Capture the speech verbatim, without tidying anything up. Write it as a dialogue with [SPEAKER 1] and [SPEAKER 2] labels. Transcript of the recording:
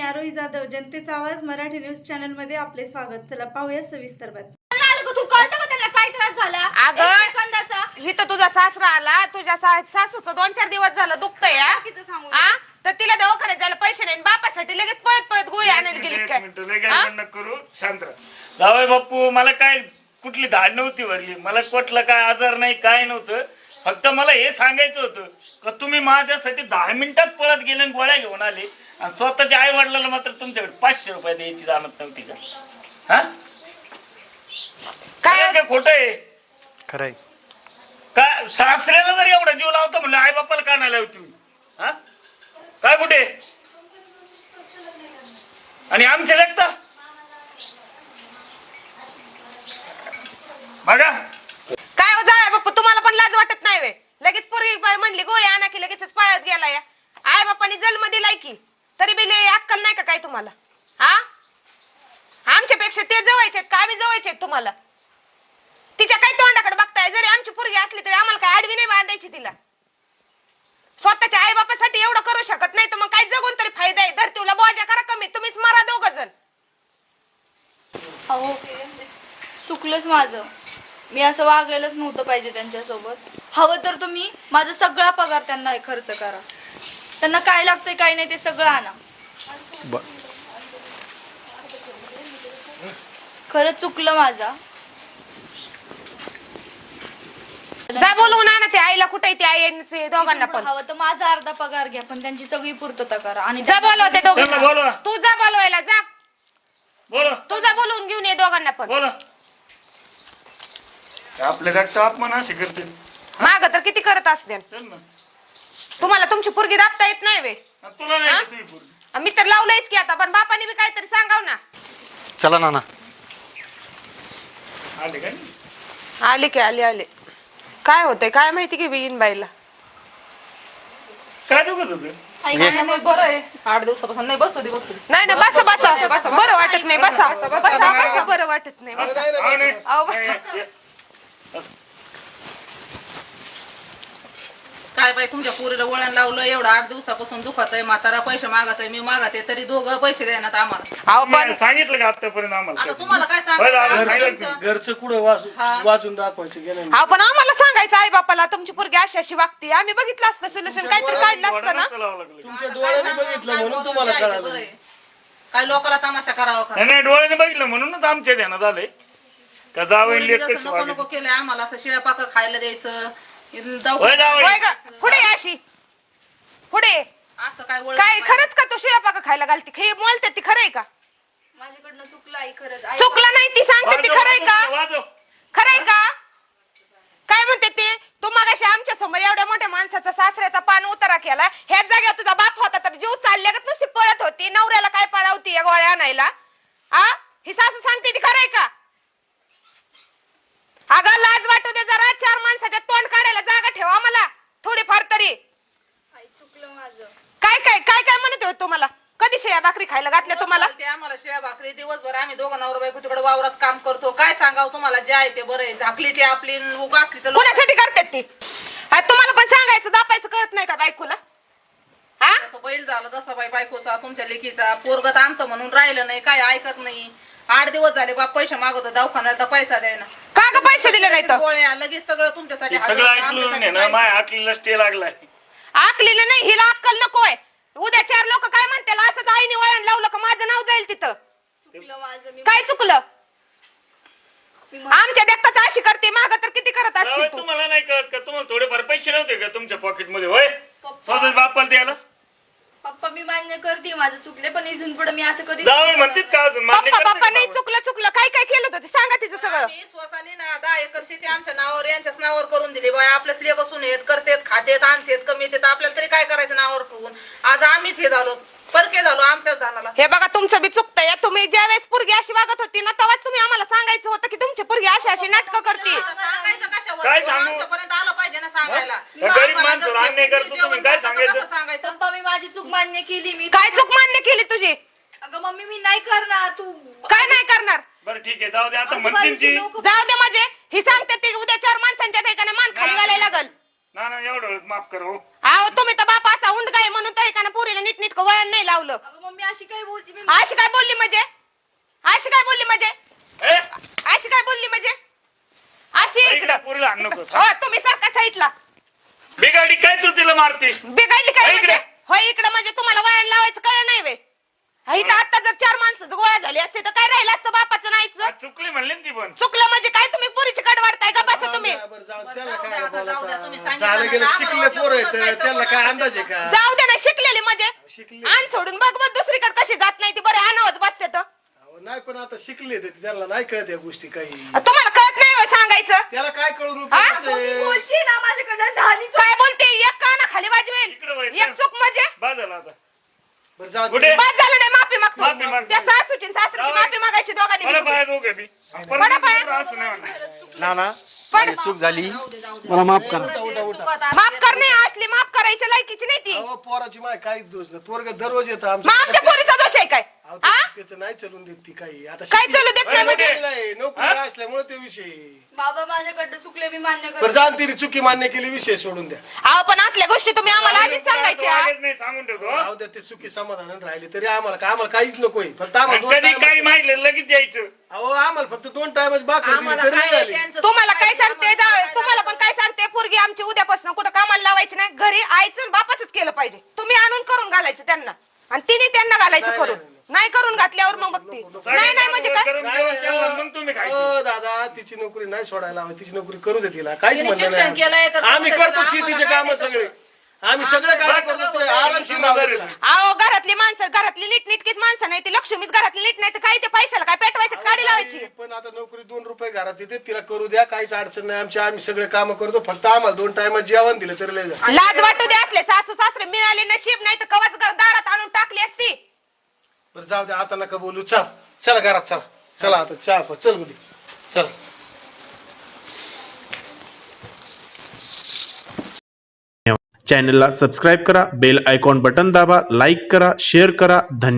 [SPEAKER 1] आरोही जाधव, जनतेचा आवाज Marathi news channel मध्ये आपले स्वागत। चला पाहूया सविस्तर बातमी।
[SPEAKER 2] तू कळतं का त्याला काय त्रास झाला?
[SPEAKER 3] अगं इथं तुझा सासरा आला, तुझ्या सासूचं दोन चार दिवस झालं दुखतंय हा, तर तिला दवाखान्यात जायला पैसे नाही, बापासाठी लगेच पळत पळत गोळी आणायला गेली काय?
[SPEAKER 4] करू शांत जावई बाप्पू, मला काय कुठली धाड नव्हती भरली, मला कुठला काय आजार नाही काय नव्हतं, फक्त मला हे सांगायचं होतं का तुम्ही माझ्यासाठी दहा मिनिटात पळत गेले आणि गोळ्या घेऊन आले आणि स्वतःच्या आई वडिलांना मात्र तुमच्याकडे पाचशे रुपये द्यायची जाणत नव्हती का? हा काय काय खोट आहे?
[SPEAKER 5] खरंय
[SPEAKER 4] काय सासऱ्याला जर एवढा जीव लावतो म्हणलं आई बापाला का नाही लावती? हा काय कुठे आणि आमचे लेखता बघा
[SPEAKER 3] काय हो जाय बाप्पा, तुम्हाला पण लाज वाटत नाही वे? लगेच पोरगी बाई म्हणली गोळी आणा की लगेच पळत गेला या आई बापानी जन्म दिलाय की, तरी बी लय अक्कल नाही का काय तुम्हाला? हा आमच्यापेक्षा ते जवळचे आहेत का आम्ही जवळचे आहेत तुम्हाला? तिच्या काय तोंडाकडे बघताय? जरी आमची पोरगी असली तरी आम्हाला काय आडवी नाही बांधायची तिला? स्वतःच्या आई बापासाठी एवढं करू शकत नाही तर मग काय जगून तरी फायदा आहे? धरतीला बोजा करा कमी, तुम्हीच मरा दोघ जण।
[SPEAKER 2] अहो चुकलंच माझं, मी असं वागायलाच नव्हतं पाहिजे त्यांच्यासोबत। हवं तर तुम्ही माझा सगळा पगार त्यांना खर्च करा, त्यांना काय लागतंय काय नाही ते सगळं आणा। खरंच चुकलं माझा।
[SPEAKER 3] जा बोलवून आणा ते आईला, कुठे ती आई दोघांना पण।
[SPEAKER 2] हवं तर माझा अर्धा पगार घ्या पण त्यांची सगळी पूर्तता करा आणि
[SPEAKER 3] जा बोलव ते दोघांना,
[SPEAKER 4] बोलवा.
[SPEAKER 3] तू जा बोलवायला जा,
[SPEAKER 4] बोला
[SPEAKER 3] तू जा बोलवून घेऊन ये दोघांना पण।
[SPEAKER 4] बोला आपल्या रक्त अपमान असे करते
[SPEAKER 3] माग तर किती करत असते,
[SPEAKER 4] चल ना
[SPEAKER 3] तुम्हाला तुमची पोरगी दाबता येत नाही वे?
[SPEAKER 4] तुला नाही का तुम्ही पोरगी?
[SPEAKER 3] मी तर लावलंयच की आता, पण बापाने बी काहीतरी सांगाव ना।
[SPEAKER 5] चला नाना
[SPEAKER 4] आले काय?
[SPEAKER 3] आले की आले आले। काय होतंय काय माहिती की बिगीन बाईला?
[SPEAKER 4] काय दुखत होत?
[SPEAKER 2] बरं आहे, आठ दिवसापासून नाही बसू दे बसू दे।
[SPEAKER 3] नाही ना बसा बसा, बरं वाटत नाही, बसा बसा बसा, बरं वाटत नाही, बसा। अहो, बसा।
[SPEAKER 6] काय बाई तुमच्या पोरीला वळण लावलं, एवढं आठ दिवसापासून दुखत आहे, म्हातारा पैसे मागत आहे, मी मागत आहे तरी दोघं पैसे देण्यात आम्हाला।
[SPEAKER 3] अहो पण
[SPEAKER 4] सांगितलं का आतापर्यंत आम्हाला?
[SPEAKER 6] आता तुम्हाला काय
[SPEAKER 4] बरं, आम्हाला
[SPEAKER 6] सांगायचं?
[SPEAKER 4] सांगितलं.
[SPEAKER 5] घरचं कुठं वाचून वाचून दाखवायचं गेलं
[SPEAKER 3] अहो पण आम्हाला सांगायचं आई बापाला तुमची पोरगी अशी अशी वागते, आम्ही बघितलं असतं सोल्युशन, काहीतरी काढलं असतं ना।
[SPEAKER 4] नसतं लावावं लागलं.
[SPEAKER 5] तुमच्या डोळ्याने बघितलं म्हणून तुम्हाला कळालं।
[SPEAKER 6] काय लोकांना तमाशा करावा का?
[SPEAKER 4] नाही नाही, डोळ्याने बघितलं म्हणूनच आमच्या ध्यानात आले का जावं
[SPEAKER 6] पोरीला जसं नको नको केलंय आम्हाला, असं शिळ्या पाकर खायला द्यायचं, जाऊ
[SPEAKER 3] होय ग, पुढे ये अशी पुढे।
[SPEAKER 6] असं काय वळण
[SPEAKER 3] काय खरंच का तू शिळा पाका खायला घालते? हे बोलते ती खरंय का?
[SPEAKER 2] माझ्याकडनं चुकलं आई, खरंच आई।
[SPEAKER 3] चुकलं नाही ती सांगते ती, खरंय का?
[SPEAKER 4] वाजव.
[SPEAKER 3] खरंय का? काय म्हणते ते? तू मगाशी आमच्या समोर एवढ्या मोठ्या माणसाचा सासऱ्याचा पान उतारा केला, ह्याच जागेवर तुझा बाप होता तर जीव चालल्यागत नुसती पळत होती, नवऱ्याला काय पळावती या गोळ्या आणायला? आ ही सासू सांगते ती खरंय का? अगं लाज वाटू दे जरा, चार माणसाच्या तोंड काढायला जागा ठेवा मला थोडीफार तरी।
[SPEAKER 2] आई चुकलं माझं।
[SPEAKER 3] काय काय काय काय म्हणत होते तुम्हाला? कधी शेळ्या भाकरी खायला घातल्या तुम्हाला?
[SPEAKER 6] ते आम्हाला शिळ्या भाकरी दिवसभर आम्ही दोघं नवरा बायको तिकडे वावरात काम करतो, काय सांगावं तुम्हाला? जे आहे ते बरं आहे, झाकली ती आपली उगा असली तर लोक-
[SPEAKER 3] कुणासाठी करतात ती? आ, तुम्हाला पण सांगायचं दापायचं कळत नाही का बायकोला? हा
[SPEAKER 6] तो बैल झाला तसा बाई बायकोचा, तुमच्या लेकीचा पोरगत आमचं म्हणून राहिलं नाही, काय ऐकत नाही। आठ दिवस झाले बाप पैसे मागवतो दवाखान्यात तर पैसा द्यायना,
[SPEAKER 3] का ग पैसे दिले नाही तर?
[SPEAKER 6] गोळ्या लगेच सगळं तुमच्यासाठी
[SPEAKER 4] हे सगळं
[SPEAKER 6] हजर,
[SPEAKER 4] ऐकलं
[SPEAKER 6] आमच्यासाठी
[SPEAKER 4] नाही ना,
[SPEAKER 6] पैसे.
[SPEAKER 4] माय हाकलीला स्टे लागलाय।
[SPEAKER 3] आकलीला नाही, हिला अक्कल नकोय। उद्या चार लोक काय म्हणतील, असंच आईने वळण लावलं का माझं नाव जाईल तिथं?
[SPEAKER 2] चुकलं माझं, मी
[SPEAKER 3] काय चुकलं? आमच्या देखताच अशी करते, माग तर किती करत
[SPEAKER 4] जावई,
[SPEAKER 3] असतील तू?
[SPEAKER 4] तुम्हाला नाही कळत का? तुम्हाला थोडेफार पैसे नव्हते का तुमच्या पॉकेट मध्ये? होय स्वतः बापाला द्यायला
[SPEAKER 2] पप्पा मी मान्य करते माझं चुकले, पण इथून पुढे मी असं कधी
[SPEAKER 4] जावई म्हणतात का अजून? मान्य
[SPEAKER 3] पप्पा
[SPEAKER 4] करते
[SPEAKER 3] पप्पा
[SPEAKER 4] का
[SPEAKER 3] नाही
[SPEAKER 4] जावई?
[SPEAKER 3] चुकलं चुकलं काय काय केलं होतं ते सांगा तिचं सगळं।
[SPEAKER 6] आम्ही स्वसानी ना दहा एकर शेती आमच्या नावावर यांच्याच नावावर करून दिली बाय, आपल्याच लेख असून येत करतेत खातेत आणतेत कमी येतात, आपल्याला तरी काय करायचं नावावर ठेवून? आज आम्हीच हे झालो, परके झालो आमच्याच धानाला।
[SPEAKER 3] हे बघा तुमचं बी चुकतंय, तुम्ही ज्या वेळेस पोरगी अशी वागत होती ना तेव्हाच तुम्ही आम्हाला सांगायचं होतं की तुमची पोरगी अशी अशी नाटकं करते।
[SPEAKER 6] सांगायचं कशावर?
[SPEAKER 4] काय सांगू?
[SPEAKER 6] आमच्यापर्यंत आलं पाहिजे ना सांगायला।
[SPEAKER 4] त्या गरीब माणसाला अन्याय करतो तुम्ही, काय सांगायचं?
[SPEAKER 6] कसं सांगायचं?
[SPEAKER 2] पप्पा मी माझी चूक मान्य केली, मी
[SPEAKER 3] काय चूक मान्य केली तुझी?
[SPEAKER 2] अगं मम्मी मी नाही करणार, तू
[SPEAKER 3] काय नाही करणार?
[SPEAKER 4] बरं ठीक आहे, जाऊ दे आता म्हणतील ती।
[SPEAKER 3] जाऊ दे म्हणजे ही सांगते ती उद्या चार माणसांच्या ठिकाणी मान खाली घालायला लागल।
[SPEAKER 4] ना ना एवढं वेळेस माफ कर हो.
[SPEAKER 3] अहो तुम्ही तर बाप असा उंड गाय म्हणून तरी का ना पोरीला नीट वळण नाही लावलं.
[SPEAKER 2] अगं मम्मी अशी काय बोलती मी
[SPEAKER 3] अशी काय बोलली म्हणजे अशी काय बोलली म्हणजे
[SPEAKER 4] ए,
[SPEAKER 3] अशी काय बोलली म्हणजे अशी
[SPEAKER 4] इकडे
[SPEAKER 3] इकडं
[SPEAKER 4] पोरीला हाण नको.
[SPEAKER 3] हो तुम्ही सारखा साईडला
[SPEAKER 4] बिगाडी काय तू तिला मारते?
[SPEAKER 3] बिघडली काय
[SPEAKER 4] हो, इकडे.
[SPEAKER 3] म्हणजे होय इकडं म्हणजे तुम्हाला वळण लावायचं कळ नाही वे इथं आता जर चार माणसं गोळा झाली असते तर काय राहिलं असतं बापाचं नाहीचं.
[SPEAKER 4] आज चुकली म्हणली ना ती पण.
[SPEAKER 3] चुकलं म्हणजे काय तुम्ही पुरीची कड वाढताय का बसा तुम्ही
[SPEAKER 5] बरं, जाऊ दे, त्याला
[SPEAKER 6] जाऊ
[SPEAKER 5] काय
[SPEAKER 6] द्या, आता जाऊ द्या,
[SPEAKER 5] बोलता?
[SPEAKER 6] तुम्ही सांगितलं
[SPEAKER 5] झालं
[SPEAKER 6] ना,
[SPEAKER 5] गेलं
[SPEAKER 6] आम्हाला
[SPEAKER 5] शिकले पोरं
[SPEAKER 6] वाटलं
[SPEAKER 5] आहेत
[SPEAKER 6] काय
[SPEAKER 5] त्यांना काय
[SPEAKER 6] सपोर्ट
[SPEAKER 5] अंदाज आहे का?
[SPEAKER 3] जाऊ दे ना शिकलेली म्हणजे
[SPEAKER 5] शिकले
[SPEAKER 3] आण सोडून बघ बघ दुसरीकडे कशी जात नाही ती बरं आणावच बसते तर
[SPEAKER 5] अहो, नाही पण आता शिकले ते त्यांना नाही कळत या गोष्टी काही
[SPEAKER 3] तुम्हाला कळत नाही होय सांगायचं
[SPEAKER 5] त्याला काय कळून
[SPEAKER 3] हा?
[SPEAKER 5] उपयोगाचं आहे?
[SPEAKER 2] बोलती ना माझ्याकडनं झाली
[SPEAKER 3] काय बोलते एक काना खाली
[SPEAKER 4] इकडं
[SPEAKER 3] वाजवेल
[SPEAKER 4] वळतं.
[SPEAKER 3] एक चूक म्हणजे
[SPEAKER 4] बाद झाला आता.
[SPEAKER 5] बरं, जाऊ दे.
[SPEAKER 4] कुठे?
[SPEAKER 3] बाद झालं नाही माफी
[SPEAKER 4] माफी
[SPEAKER 3] मागतो
[SPEAKER 4] माग.
[SPEAKER 3] त्या सासूची आणि सासरीची
[SPEAKER 4] जाऊ.
[SPEAKER 3] माफी मागायची दोघांनी
[SPEAKER 4] मला
[SPEAKER 3] मिळून.
[SPEAKER 4] पाय दोघे बी.
[SPEAKER 3] पडा पाय.
[SPEAKER 4] परत असं नाही म्हणणार.
[SPEAKER 5] नाना
[SPEAKER 3] पण
[SPEAKER 5] माझी चूक झाली मला माफ करा.
[SPEAKER 3] माफ करणे असली माफ करायची लायकीची नाही ती
[SPEAKER 5] अहो, पोराची माय काहीच दोष नाही पोरग दररोज येतं
[SPEAKER 3] मग आमच्या पोरीचा दोष आहे काय
[SPEAKER 5] अहो,
[SPEAKER 3] हा
[SPEAKER 5] त्याचं नाही चलून देत ती काही आता
[SPEAKER 3] काय
[SPEAKER 5] शिकली-
[SPEAKER 3] चालू देत नाही म्हणजे
[SPEAKER 5] शिकलेलं आहे, नोकरी असल्यामुळे ते विषय
[SPEAKER 2] बाबा माझ्याकडनं चुकले मी मान्य
[SPEAKER 5] बरं
[SPEAKER 2] करते
[SPEAKER 5] जाण तिने चुकी मान्य केली विषय सोडून द्या
[SPEAKER 3] अहो पण असल्या गोष्टी तुम्ही आम्हाला आधीच सांगायच्या
[SPEAKER 4] वागत नाही सांगून ठेवतो हो.
[SPEAKER 5] राहू द्या ते चुकी समाधान राहिले तरी आम्हाला का आम्हाला काहीच नकोय फक्त आम्हाला
[SPEAKER 4] आणि
[SPEAKER 5] दोन
[SPEAKER 4] कधी
[SPEAKER 5] time-
[SPEAKER 4] काही माहिती लगेच यायचं.
[SPEAKER 5] अहो आम्हाला फक्त दोन टाइमच बाकी
[SPEAKER 6] आम्हाला
[SPEAKER 5] तरी
[SPEAKER 6] काय
[SPEAKER 5] झाली
[SPEAKER 6] त्यांचं
[SPEAKER 3] तुम्हाला काय
[SPEAKER 6] चुकायचं,
[SPEAKER 3] सांगते
[SPEAKER 6] आम्हाला
[SPEAKER 3] जावई,
[SPEAKER 6] काय
[SPEAKER 3] तुम्हाला पण काय सांगते पोरगी आमची उद्यापासून कुठं कामाला लावायची नाही घरी आईचं आणि बापाचंच केलं पाहिजे तुम्ही आणून करून घालायचं त्यांना आणि तिने त्यांना घालायचं
[SPEAKER 5] नाही,
[SPEAKER 3] करून
[SPEAKER 5] नाही,
[SPEAKER 3] नाही करून घातल्यावर मग बघते नाही नाही म्हणजे काय
[SPEAKER 4] गरम जेवण केलं, मग तुम्ही खायचं.
[SPEAKER 5] हो दादा तिची नोकरी नाही सोडायला हवी तिची नोकरी करू दे तिला काहीच
[SPEAKER 6] तिने
[SPEAKER 5] म्हणणं
[SPEAKER 6] शिक्षण केलंय तर
[SPEAKER 5] नाही आम्ही
[SPEAKER 6] तुमचं
[SPEAKER 5] करतो
[SPEAKER 6] आम्हाला
[SPEAKER 5] शेतीचे
[SPEAKER 6] काय
[SPEAKER 5] काम
[SPEAKER 6] नाही
[SPEAKER 5] सगळे
[SPEAKER 6] करतो.
[SPEAKER 5] आम्ही सगळे काम
[SPEAKER 6] आम्ही
[SPEAKER 5] करतो
[SPEAKER 6] सगळं
[SPEAKER 5] आरामशीर राहू दे तिला.
[SPEAKER 3] अहो घरातली माणसं घरातली नीटनीटकीच माणसं नाही ती लक्ष्मीच घरातली नीट नाही तर काय ते पैशाला काय पेटवायचं काढी लावायची
[SPEAKER 5] पण आता नोकरी दोन रुपये घरात येते तिला करू द्या काहीच अडचण नाही आमची आम्ही सगळे काम करतो फक्त आम्हाला दोन टाइम जेवण दिलं तरी लय झालं.
[SPEAKER 3] लाज वाटू दे असले सासू सासरे मिळाले नशीब नाही तर कवाच दारात आणून टाकली असती
[SPEAKER 5] बरं जाऊ दे आता नका बोलू चल चला घरात चला चला आता चहा प- चल गुडी चल
[SPEAKER 7] चॅनलला सबस्क्राईब करा बेल आयकॉन बटन दाबा लाईक करा शेअर करा धन्यवाद.